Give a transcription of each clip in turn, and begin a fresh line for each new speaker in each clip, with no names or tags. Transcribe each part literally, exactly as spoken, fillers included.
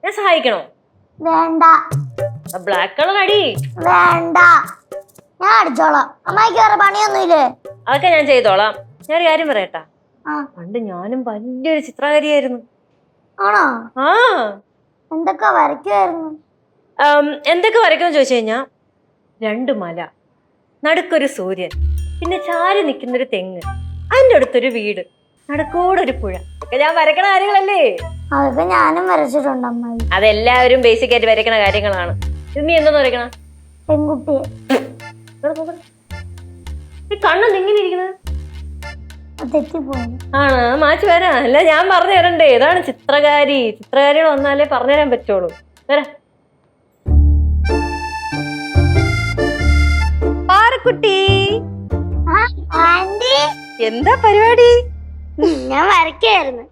ഞാൻ സഹായിക്കണോ?
വേണ്ട.
Black colour അടി.
വേണ്ട, ഞാൻ അടിച്ചോളാം. അമ്മായിക്ക് വേറെ പണിയൊന്നുമില്ലേ?
അതൊക്കെ ഞാൻ ചെയ്തോളാം. ഞാനൊരു കാര്യം പറയട്ടാ, പണ്ട് ഞാനും വലിയൊരു ചിത്രകാരിയായിരുന്നു.
ആണോ?
ആ.
എന്തൊക്കെ വരയ്ക്കുമായിരുന്നു?
എന്തൊക്കെ വരയ്ക്കുമെന്ന് ചോദിച്ചു കഴിഞ്ഞാ, രണ്ട് മല, നടുക്കൊരു സൂര്യൻ, പിന്നെ ചാരി നിൽക്കുന്നൊരു തെങ്ങ്, അതിൻ്റെ അടുത്തൊരു വീട്, നടുക്കൂടെ ഒരു പുഴ. ഒക്കെ ഞാൻ വരയ്ക്കണ കാര്യങ്ങളല്ലേ?
അതൊക്കെ ഞാനും വരച്ചിട്ടുണ്ട് അമ്മായി.
അതെല്ലാവരും ബേസിക് ആയിട്ട് വരയ്ക്കണ കാര്യങ്ങളാണ്. ഇത് നീ എന്തോന്ന് വരയ്ക്കണ?
പെൺകുട്ടിയെ.
കണ്ണെന്ത് ഇങ്ങനെ ഇരിക്കുന്നത്?
തെറ്റിപ്പോയി.
ആണ്, മാറ്റി വരാ. അല്ല, ഞാൻ പറഞ്ഞു തരണ്ടേ? ഏതാണ് ചിത്രകാരി? ചിത്രകാരികൾ വന്നാലേ പറഞ്ഞു തരാൻ പറ്റുള്ളൂ. വരാ. പാറക്കുട്ടി, എന്താ പരിപാടി?
ഞാൻ വരയ്ക്കായിരുന്നു.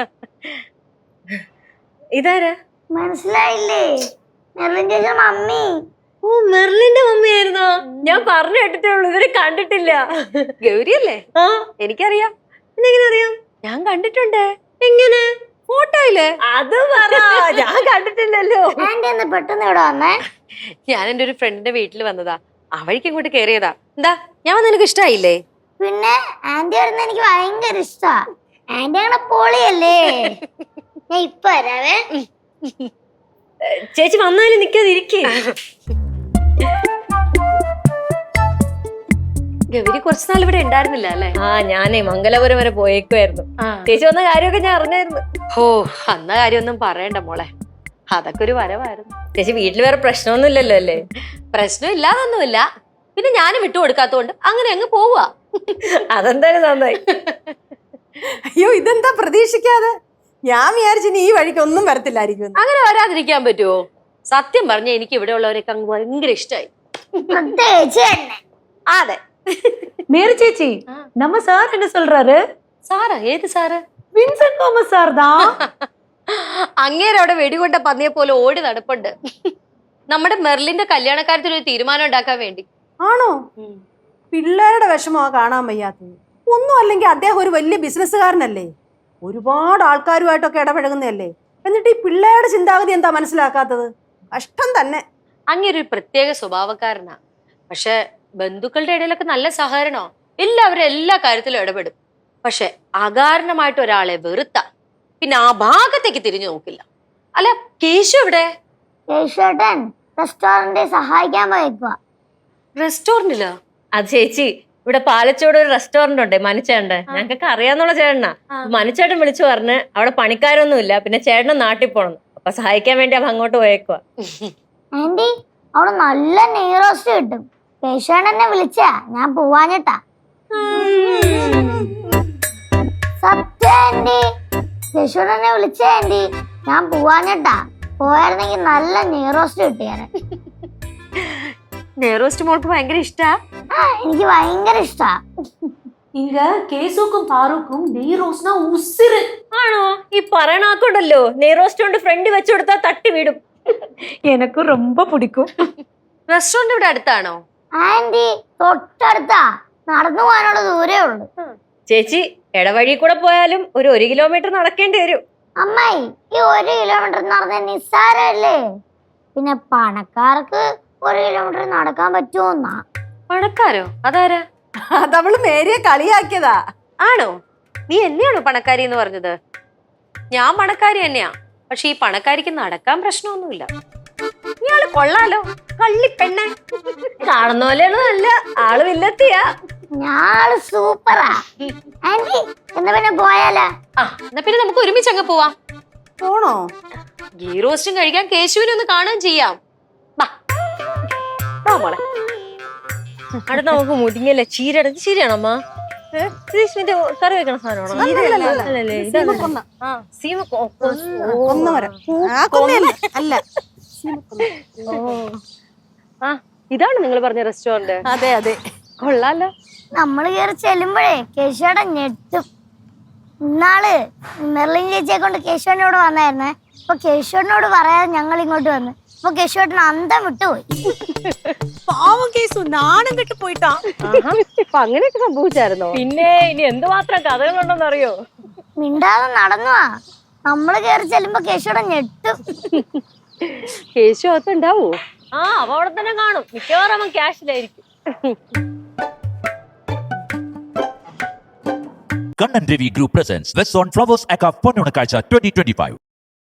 ഇതാരാ?
മനസ്സിലായില്ലേ? മെർലിൻ ചേച്ചി മമ്മി.
ഓ, മെർലിന്റെ മമ്മിയായിരുന്നോ? ഞാൻ പറഞ്ഞു കേട്ടിട്ടേ ഉള്ളൂ, ഇവരെ കണ്ടിട്ടില്ല.
ഗൗരിയല്ലേ?
ആ,
എനിക്കറിയാം.
എങ്ങനെ അറിയാം?
ഞാൻ കണ്ടിട്ടുണ്ട്.
എങ്ങനെ?
ഫോട്ടോയില്.
അത് പറ, ഞാൻ കണ്ടിട്ടില്ലല്ലോ.
ആന്റി ഒന്ന് പെട്ടെന്ന് ഇവിടെ വന്നേ.
ഞാൻ എന്റെ ഒരു ഫ്രണ്ടിന്റെ വീട്ടിൽ വന്നതാ, അവഴിക്ക് ഇങ്ങോട്ട് കേറിയതാ. എന്താ, ഞാൻ വന്ന് നിനക്ക് ഇഷ്ടായില്ലേ?
പിന്നെ ആന്റി വരുന്ന എനിക്ക് ഭയങ്കര ഇഷ്ടാ. ആന്റി അങ്ങനെ പൊളിയല്ലേ. ഞാൻ ഇപ്പൊ വരാവേ.
ചേച്ചി വന്നാലും നിക്കാതിരിക്കേ.
ഗൗരി കുറച്ചു നാൾ ഇവിടെ ഉണ്ടായിരുന്നില്ല അല്ലേ?
ആ, ഞാനേ മംഗലപുരം വരെ പോയേക്കുമായിരുന്നു. ചേച്ചി വന്ന കാര്യമൊക്കെ ഞാൻ അറിഞ്ഞായിരുന്നു.
ഓ, അന്ന കാര്യമൊന്നും പറയണ്ട മോളെ, അതൊക്കെ ഒരു വരവായിരുന്നു.
ചേച്ചി വീട്ടിൽ വേറെ പ്രശ്നമൊന്നും ഇല്ലല്ലോ അല്ലേ?
പ്രശ്നം ഇല്ലാതൊന്നുമില്ല, പിന്നെ ഞാനും വിട്ടു കൊടുക്കാത്തോണ്ട് അങ്ങനെ അങ്ങ് പോവാ.
അതെന്തായാലും നന്നായി.
അയ്യോ, ഇതെന്താ പ്രതീക്ഷിക്കാതെ? ഞാൻ വിചാരിച്ചു ഈ വഴിക്ക് ഒന്നും വരത്തില്ലായിരിക്കും.
അങ്ങനെ വരാതിരിക്കാൻ പറ്റുമോ? സത്യം പറഞ്ഞ എനിക്ക് ഇവിടെ ഉള്ളവരൊക്കെ അങ്ങ് ഭയങ്കര ഇഷ്ടമായി. അതെ.
மேரி சேச்சி, நம்ம சார் என்ன சொல்றாரு?
സാറാ? ഏത് സാറ്?
വിൻസെന്റ് തോമസ് സാർ தான்.
അങ്ങേരെ അവിടെ വെടികൊണ്ട പന്നിയെ പോലെ ഓടി നടപ്പുണ്ട്. നമ്മുടെ മെർലിന്റെ കല്യാണക്കാര്യത്തിൽ ഒരു തീരുമാനം ഉണ്ടാക്കാൻ വേണ്ടി.
ആണോ? പിള്ളേരുടെ വിഷമോ കാണാൻ വയ്യാത്തത്. ഒന്നും അല്ലെങ്കിൽ അദ്ദേഹം ഒരു വലിയ ബിസിനസ്സുകാരനല്ലേ, ഒരുപാട് ആൾക്കാരുമായിട്ടൊക്കെ ഇടപഴകുന്നതല്ലേ. എന്നിട്ട് ഈ പിള്ളേരുടെ ചിന്താഗതി എന്താ മനസ്സിലാക്കാത്തത്? കഷ്ടം തന്നെ.
അങ്ങേരു ഒരു പ്രത്യേക സ്വഭാവക്കാരനാ. പക്ഷെ ബന്ധുക്കളുടെ ഇടയിലൊക്കെ നല്ല സഹകരണോ, എല്ലാവരും എല്ലാ കാര്യത്തിലും ഇടപെടും. പക്ഷെ അകാരണമായിട്ട് ഒരാളെ വെറുത്ത പിന്നെ ആ ഭാഗത്തേക്ക് തിരിഞ്ഞു നോക്കില്ല. അല്ല, കേശു എവിടെ?
കേശുവേട്ടൻ റെസ്റ്റോറന്റിൽ സഹായിക്കാൻ പോയേക്കുവാ.
റെസ്റ്റോറന്റിലോ?
അത് ചേച്ചി, ഇവിടെ പാലച്ചോട് ഒരു റെസ്റ്റോറന്റ് ഉണ്ട്, മനുച്ചേട്ടൻ. ഞങ്ങൾക്കൊക്കെ അറിയാന്നുള്ള ചേട്ടനാ. മനുച്ചേട്ടൻ വിളിച്ചു പറഞ്ഞ് അവിടെ പണിക്കാരൊന്നും ഇല്ല, പിന്നെ ചേട്ടനും നാട്ടിൽ പോണം, അപ്പൊ സഹായിക്കാൻ വേണ്ടി അവ അങ്ങോട്ട് പോയേക്കുവാ.
ആന്റി, അവിടെ നല്ല നെയ് റോസ്റ്റ് കിട്ടും. കേശുവേട്ടൻ എന്നെ വിളിച്ചാ, ഞാൻ പോവാഞ്ഞിട്ടാ. സത്യം ആന്റി, കേശുവേട്ടൻ എന്നെ വിളിച്ച ആന്റി, ഞാൻ പോവാഞ്ഞിട്ടാ. പോയായിരുന്നെങ്കിൽ നല്ല നെയ് റോസ്റ്റ് കിട്ടിയാനെ.
നെയ് റോസ്റ്റ് മോൾക്ക് ഭയങ്കര ഇഷ്ടാ?
ആ, എനിക്ക് ഭയങ്കര ഇഷ്ടാ.
இங்க கேசுக்கும் பாருக்கும் நெய் ரோஸ்னா உசிறு.
ആണോ? ഈ പറയണാക്കുണ്ടല്ലോ, നെയ് റോസ്റ്റ് കൊണ്ട് ഫ്രണ്ട് വെച്ചു കൊടുത്താൽ തട്ടി വീടും.
எனக்கும் ரொம்ப பிடிக்கும்.
റെസ്റ്റോറന്റ് ഇവിടെ അടുത്താണോ?
ആന്റി, തൊട്ടടുത്താ, നടന്നു പോകാനുള്ള ദൂരേ ഉള്ളു.
ചേച്ചി ഇടവഴി കൂടെ പോയാലും ഒരു ഒരു കിലോമീറ്റർ നടക്കേണ്ടി വരും.
അമ്മായി, ഈ ഒരു കിലോമീറ്റർ എന്ന് പറഞ്ഞാൽ നിസ്സാരല്ലേ. പിന്നെ പണക്കാർക്ക് ഒരു കിലോമീറ്റർ നടക്കാൻ പറ്റുമോന്നാ.
പണക്കാരോ? അതാരാ?
അതവള് മേരിയെ കളിയാക്കിയതാ.
ആണോ? നീ എന്നെയാണോ പണക്കാരി എന്ന് പറഞ്ഞത്? ഞാൻ പണക്കാരി തന്നെയാ, പക്ഷെ ഈ പണക്കാരിക്ക് നടക്കാൻ പ്രശ്നമൊന്നുമില്ല. ഇയാള് കൊള്ളാലോ, കള്ളിപ്പെണ്ണെ.
കാണുന്ന പോലെയാണ്, നല്ല ആള് വില്ലത്തിയാ.
ഞാള് സൂപ്പറാ. ആന്റി, എന്നാ പിന്നെ പോയാലാ?
ആ, എന്നാ പിന്നെ നമുക്ക് ഒരുമിച്ച് അങ്ങ് പോവാം.
പോണോ?
ഗീ റോസ്റ്റും കഴിക്കാൻ കേശുവിനെ ഒന്ന് കാണുകയും ചെയ്യാം. മോളെ,
അവിടെ നമുക്ക് മുരിങ്ങല്ലേ ചീര. ചീരയാണോ അമ്മ? കറി വെക്കണ സാധനമാണോ?
അല്ല,
ആ, ഇതാണ് നിങ്ങൾ പറഞ്ഞ റെസ്റ്റോറന്റ്?
അതെ അതെ,
കൊള്ളാലോ.
നമ്മള് കയറി ചെല്ലുമ്പോഴേ കേശുവേട്ടൻ ഞെട്ടും. ഇന്നാള് മെർലിൻ ചേച്ചിയെ കൊണ്ട് കേശുവേട്ടനോട് വന്നായിരുന്നേ. അപ്പൊ കേശുവേട്ടനോട് പറയാതെ ഞങ്ങൾ ഇങ്ങോട്ട് വന്ന്. അപ്പൊ കേശുവേട്ടൻ അന്തം വിട്ടുപോയി.
പാവം കേസു നാണം കെട്ട് പോയിട്ടാ.
അങ്ങനെയൊക്കെ സംഭവിച്ചായിരുന്നോ?
പിന്നെ ഇനി എന്തുമാത്രം കഥകളുണ്ടെന്ന് അറിയോ?
മിണ്ടാതെ നടന്നുവാ. നമ്മള് കയറി ചെല്ലുമ്പോ കേശുവേട്ടൻ ഞെട്ടും.
കേശു അകത്തുണ്ടാവോ?
ആ അവ അവിടെ തന്നെ കാണും, മിക്കവാറും അവൻ ക്യാഷിലായിരിക്കും.
Kannan Devi Group presents West on Flowers Aka Ponnunakazha twenty twenty-five.